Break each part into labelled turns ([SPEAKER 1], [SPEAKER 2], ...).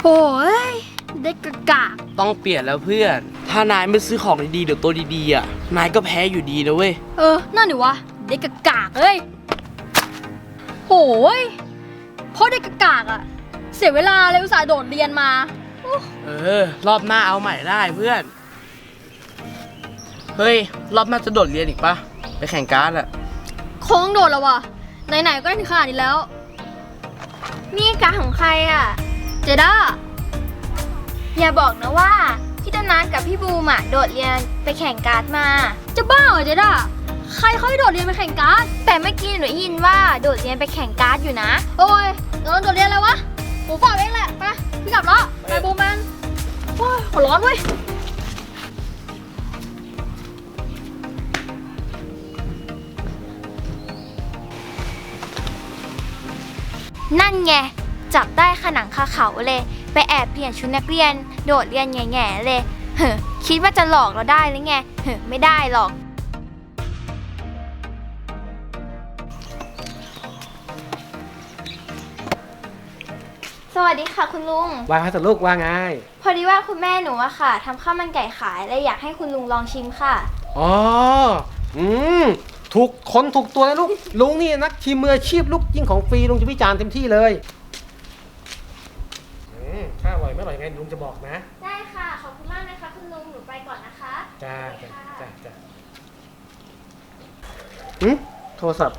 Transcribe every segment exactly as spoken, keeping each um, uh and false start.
[SPEAKER 1] โอ้ยเด็กกะกะ
[SPEAKER 2] ต้องเปลี่ยนแล้วเพื่อนถ้านายไม่ซื้อของดีๆเดี๋ยวตัวดีๆอ่ะนายก็แพ้อยู่ดีนะเว้ย
[SPEAKER 1] เออนั่นนี่วะเด็กกะกะเอ้ยโอ้ยเพราะเด็กกะกะอ่ะเสียเวลาเลยอุตส่าห์โดดเรียนมา
[SPEAKER 2] เออรอบหน้าเอาใหม่ได้เพื่อนเฮ้ยรอบหน้าจะโดดเรียนอีกปะไปแข่งการ์ดอะ
[SPEAKER 1] โค้งโดดแล้ววะไหนๆก็ได้ถึงขนาดนี้แล้วนี่การ์ดของใครอ่ะเจด้า
[SPEAKER 3] อย่าบอกนะว่าพี่ต้นนัทกับพี่บูมอะโดดเรียนไปแข่งการ์ดมา
[SPEAKER 1] จะบ้าเหรอเจด้าใครเขาให้โดดเรียนไปแข่งการ์ด
[SPEAKER 3] แต่เมื่อกี้หนูได้ยินว่าโดดเรียนไปแข่งการ์ดอยู่นะ
[SPEAKER 1] โอ้ยเราโดดเรียนแล้ววะหมูฝากเองแหละไปพี่กลับแล้วไปบูมมันโอ้ยหัวร้อนเว้ย
[SPEAKER 3] นั่นไงจับได้ขนังคาเขาเลยไปแอบเปลี่ยนชุดนักเรียนโดดเรียนแง่ๆเลยเฮ้อคิดว่าจะหลอกเราได้หรือไงเฮ้อไม่ได้หรอกสวัสดีค่ะคุณลุง
[SPEAKER 4] ว่าไงลูกว่าไง
[SPEAKER 3] พอดีว่าคุณแม่หนูอะค่ะทำข้าวมันไก่ขายเลยอยากให้คุณลุงลองชิมค่ะ
[SPEAKER 4] อ๋ออืมถูกคนถูกตัวนะลูกลุงนี่นักชิมมืออาชีพลูกยิ่งของฟรีลุงจะวิจารณ์เต็มที่เลยอืมถ้าอร่อยไม่อร่อยไงลุงจะบอกนะ
[SPEAKER 3] ได้ค่ะขอบคุณมากนะคะคุณลุงหนูไปก่อนนะคะ
[SPEAKER 4] จ้าจ้าจ้าจ้าอืมโทรศัพท์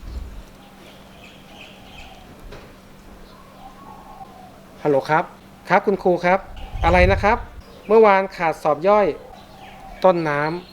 [SPEAKER 4] ฮัลโหลครับครับคุณครูครับอะไรนะครับเมื่อวานขาดสอบย่อยต้นน้ำ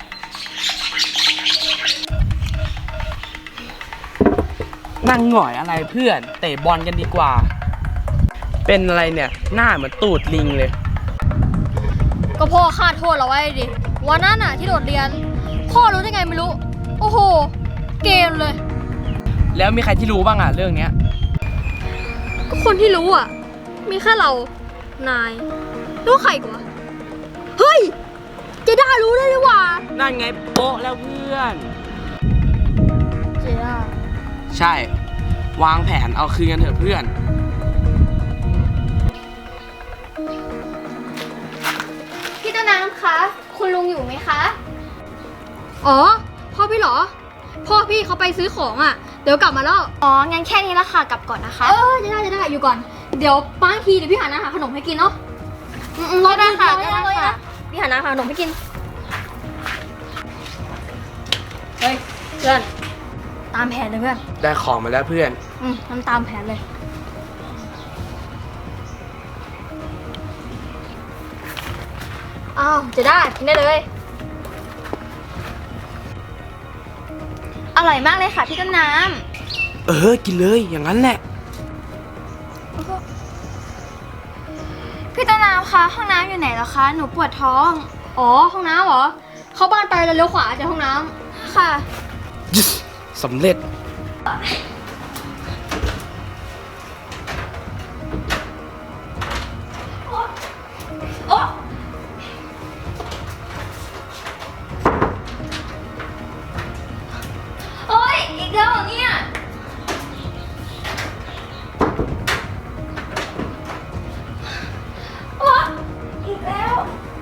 [SPEAKER 2] นั่งหน่อยอะไรเพื่อนเตะบอลกันดีกว่าเป็นอะไรเนี่ยหน้าเหมือนตูดลิงเลย
[SPEAKER 1] ก็พ่อคาดโทษเราไว้ดิวันนั้นน่ะที่โดดเรียนพ่อรู้ได้ไงไม่รู้โอ้โหเกมเลย
[SPEAKER 2] แล้วมีใครที่รู้บ้างอ่ะเรื่องเนี้ย
[SPEAKER 1] ก็คนที่รู้อ่ะมีแค่เรานายรู้ใครกว่าเฮ้ยเจด้ารู้ได้ด้วยว่า
[SPEAKER 2] นั่นไงโป๊ะแล้วเพื่อน
[SPEAKER 1] เจด้า
[SPEAKER 2] ใช่วางแผนเอาคืนกันเถอะเพื่อน
[SPEAKER 3] พี่ต้นน้ำคะคุณลุงอยู่ไหมคะ
[SPEAKER 1] อ๋อพ่อพี่เหรอพ่อพี่เขาไปซื้อของอ่ะเดี๋ยวกลับมาแล้ว
[SPEAKER 3] อ๋องั้นแค่นี้ละค่ะกลับก่อนนะคะ
[SPEAKER 1] เออจะได้จะได้อยู่ก่อนเดี๋ยวป้าทีเดี๋ยวพี่หาอาหารขนมให้กินเนาะ
[SPEAKER 3] อืมรอได้ค่ะได้ค่ะ
[SPEAKER 1] พี่หาอาหารขนมให้กินเฮ้ยเพื่อนตามแผนเลยเพื่อน
[SPEAKER 2] ได้ของมาแล้วเพื่อน
[SPEAKER 1] อืมทำตามแผนเลยอ้าวจะได้กินได้เลย
[SPEAKER 3] อร่อยมากเลยค่ะพี่ต้นน้
[SPEAKER 2] ำเออกินเลยอย่างนั้นแหละ
[SPEAKER 3] พี่ต้นน้ำคะห้องน้ำอยู่ไหนแล้วคะหนูปวดท้อง
[SPEAKER 1] อ๋อห้องน้ำเหรอเข้าบ้านไปแล้วเลี้ยวขวาจากห้องน้
[SPEAKER 3] ำค่ะ
[SPEAKER 2] สำเร็จ
[SPEAKER 3] โอ๊ยอีกแล้วเหรอเนี่ยโอ๊ยอีกแล้ว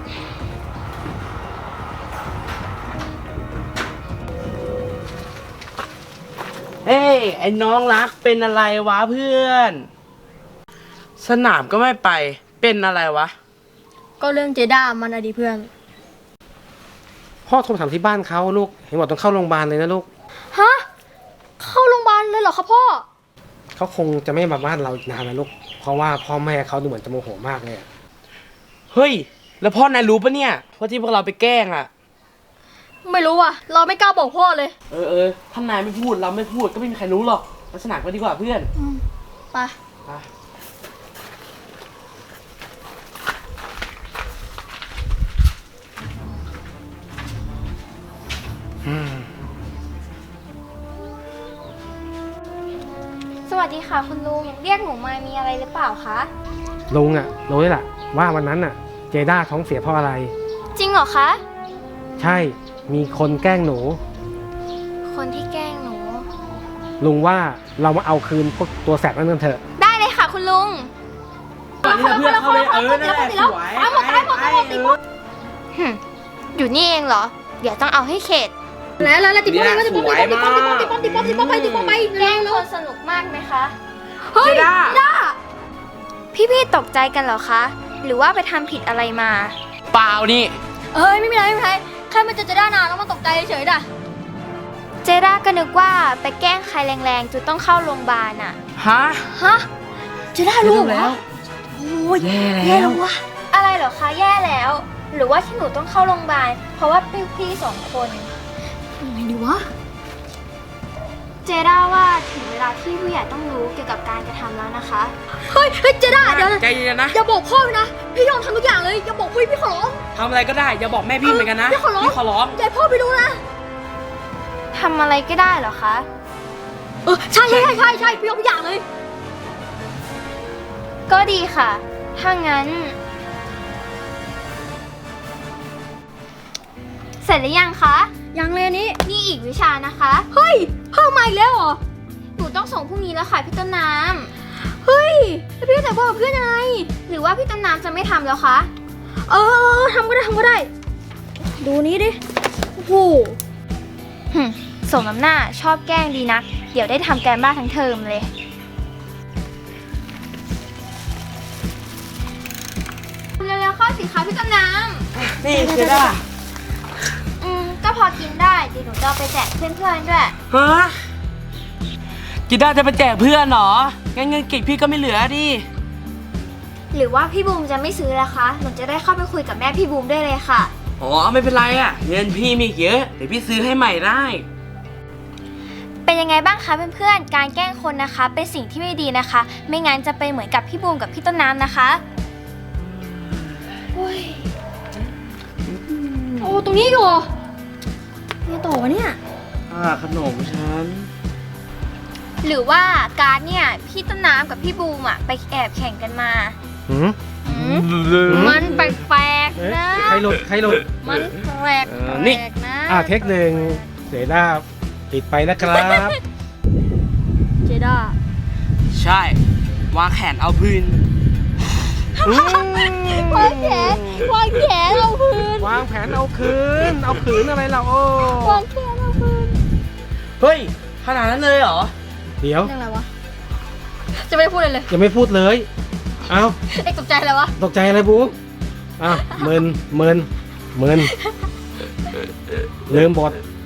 [SPEAKER 2] เฮ้ยไอ้น้องรักเป็นอะไรวะเพื่อนสนามก็ไม่ไปเป็นอะไรวะ
[SPEAKER 1] ก็เรื่องเจด้ามันอดีเพื่อน
[SPEAKER 4] พ่อโทรถามที่บ้านเขาลูกเห็นบอกต้องเข้าโรงพยาบาลเลยนะลูก
[SPEAKER 1] ฮะเข้าโรงพยาบาลเลยเหรอครับพ่อ
[SPEAKER 4] เขาคงจะไม่มาบ้านเราอีกนานแล้วลูกเพราะว่าพ่อแม่เขาดูเหมือนจะโมโหมากเลย
[SPEAKER 2] เฮ้ยแล้วพ่อนายรู้ปะเนี่ยว่าที่พวกเราไปแกล้งอ่ะ
[SPEAKER 1] ไม่รู้อ่ะเราไม่กล้าบอกพ่อเลย
[SPEAKER 2] เออเออถ้านายไม่พูดเราไม่พูดก็ไม่มีใครรู้หรอกลักษณะก็ดีกว่าเพื่อน
[SPEAKER 1] ไป
[SPEAKER 2] ไป
[SPEAKER 3] สวัสดีค่ะคุณลุงเรียกหนูมามีอะไรหรือเปล่าคะ
[SPEAKER 4] ลุงอ่ะรู้แหละว่าวันนั้นอ่ะเจด้าท้องเสียเพราะอะไร
[SPEAKER 3] จริงเหรอคะ
[SPEAKER 4] ใช่มีคนแกล้งหนู
[SPEAKER 3] คนที่แกล้งหนู
[SPEAKER 4] ลุงว่าเรามาเอาคืนพวกตัวแสบนั่นกันเถอะ
[SPEAKER 3] ได้เลยค่ะคุณลุง
[SPEAKER 2] นนี่นะเพื่อนเข้าเลยเออนั่นแหละสวย
[SPEAKER 1] ตายหมดตายหมดตายหมดติดหมด
[SPEAKER 3] หึอยู่นี่เองเหรอ เดี๋ยวต้องเอาให้เข็ด
[SPEAKER 1] แล้วแล้วติดป้อมติดป้อมติดป้อมติดป้อมติดป้อมติดป้อมติดป้อมไปติดป้อมไป
[SPEAKER 3] แกล้
[SPEAKER 1] เร็
[SPEAKER 3] ง
[SPEAKER 1] วเร็
[SPEAKER 3] คว นสนุกมากไหมคะ
[SPEAKER 1] เฮ้ย
[SPEAKER 2] เจด้า
[SPEAKER 1] ด้า
[SPEAKER 3] พี่ๆตกใจกันเหรอคะ หรือว่าไปทำผิดอะไรมา
[SPEAKER 2] เปล่านี่
[SPEAKER 1] เอ้ยไม่มีอะไรไม่มีอะไรแค่มันจะจะด้านานแล้วมันตกใจเฉยๆด่ะ
[SPEAKER 3] เจด้าก็นึกว่าไปแกล้งใครแรงๆจนต้องเข้าโรงพยาบาลอ่ะ
[SPEAKER 2] ฮะ
[SPEAKER 1] ฮะจะได้รู้เหร
[SPEAKER 2] แล้
[SPEAKER 1] อ
[SPEAKER 2] ว
[SPEAKER 1] โอ้ย
[SPEAKER 2] แย่
[SPEAKER 1] แย่
[SPEAKER 2] แล้
[SPEAKER 1] แล้ว ววะ
[SPEAKER 3] อะไรเหรอคะแย่แล้ว หรือว่าที่หนูต้องเข้าโรงพยาบาลเพราะว่าพี่พี่สองคน
[SPEAKER 1] ยังไงดีวะ
[SPEAKER 3] เจด้าว่าถึงเวลาที่ผู้ใหญ่ต้องรู้เกี่ยวกับการกระทำแล้วนะคะ
[SPEAKER 1] เฮ้ยเฮ้ยเจด้าเดี๋ยวนะ
[SPEAKER 2] ใจเย็นๆนะ
[SPEAKER 1] อย่าบอกพ่อนะพี่ยอมทำทุกอย่างเลยอย่าบอกพี่พี่ขอร้อง
[SPEAKER 2] ทำอะไรก็ได้ อย่าบอกแม่พี่เหมือนกันนะ
[SPEAKER 1] พี่ขอร้อง
[SPEAKER 2] พี่ขอร้อง
[SPEAKER 1] อย่าให้พ่อไปรู้นะ
[SPEAKER 3] ทำอะไรก็ได้เหรอคะ
[SPEAKER 1] เออใช่ใช่ใช่ใช่ใช่พี่ยอมทุกอย่างเลย
[SPEAKER 3] ก็ดีค่ะ ถ้างั้น เสร็จหรือยังคะ
[SPEAKER 1] ยังเลยอันนี้
[SPEAKER 3] นี่อีกวิชานะคะ
[SPEAKER 1] เฮ้ยเพิ่มมาอีกแล้วเหรอ
[SPEAKER 3] หนูต้องส่งพรุ่งนี้แล้วค่ะพี่ต้นน้ำ
[SPEAKER 1] เฮ้ยแล้วพี่แต่บอกกับเพื่อนยังไง
[SPEAKER 3] หรือว่าพี่ต้นน้ำจะไม่ทำแล้วคะ
[SPEAKER 1] เออทำก็ได้ทำก็ได้ ดูนี้ดิโอ้โห
[SPEAKER 3] หึส่งน้ำหน้าชอบแกล้งดีนัก เดี๋ยวได้ทำแกมบ้านทั้งเทอมเลยเร็วๆเข้าสิคะพี่ต้นน้
[SPEAKER 2] นี่เจด้า
[SPEAKER 3] ำอืมก็พอกินได้เดี๋ยวหนูจะเอาไปแจกเพื่อนๆด้วย
[SPEAKER 2] ฮะเจด้าจะไปแจกเพื่อนเหรอ งั้นเงินเก็บพี่ก็ไม่เหลือดิ
[SPEAKER 3] หรือว่าพี่บูมจะไม่ซื้อละคะ หนูจะได้เข้าไปคุยกับแม่พี่บูมได้เลยค่ะ
[SPEAKER 2] อ๋อไม่เป็นไรอ่ะ เงินพี่มีอีกเยอะ เดี๋ยวพี่ซื้อให้ใหม่ได้
[SPEAKER 3] เป็นยังไงบ้างคะเพื่อนๆ การแกล้งคนนะคะ เป็นสิ่งที่ไม่ดีนะคะ ไม่งั้นจะเป็นเหมือนกับพี่บูมกับพี่ต้นน้ำนะคะ
[SPEAKER 1] โอ้ยโอ้ตรงนี้อยู่เหรอเนี่ยต่อวะเนี่ย
[SPEAKER 2] อ่าขนมฉัน
[SPEAKER 3] หรือว่าการดเนี่ยพี่ต้นน้ำกับพี่บูมอะไปแอบแข่งกันมา
[SPEAKER 4] หืม
[SPEAKER 3] หืมมันแปลก
[SPEAKER 4] เอ๊ะ
[SPEAKER 3] ๆนะ
[SPEAKER 4] ใครหลุดใครหลุด
[SPEAKER 3] มันแปลก
[SPEAKER 2] เออนี่
[SPEAKER 3] ๆนะ
[SPEAKER 4] อ่าเทคหนึ่งเสด้าปิดไปนะครับ
[SPEAKER 1] เจด้า
[SPEAKER 2] ใช่ วางแขนเอาพื้น
[SPEAKER 4] อืม
[SPEAKER 1] วางแขนวางแขนเอาพื้น
[SPEAKER 4] วางแผนเอาคืน เอาขืนอะไรเราโอ้
[SPEAKER 1] วางแขนเอาพื้น
[SPEAKER 2] เฮ้ย ขนาดนั้นเลยเหรอ
[SPEAKER 4] เดี๋ยว
[SPEAKER 1] เรื่องอะไรวะ จะไม่ได้พูดเลยเลย
[SPEAKER 4] ยังไม่พูดเลย เอา
[SPEAKER 1] เอ็กตกใจอะไรวะ
[SPEAKER 4] ตกใจอะไรบูอ้าวเมินเมินเมินลืมบท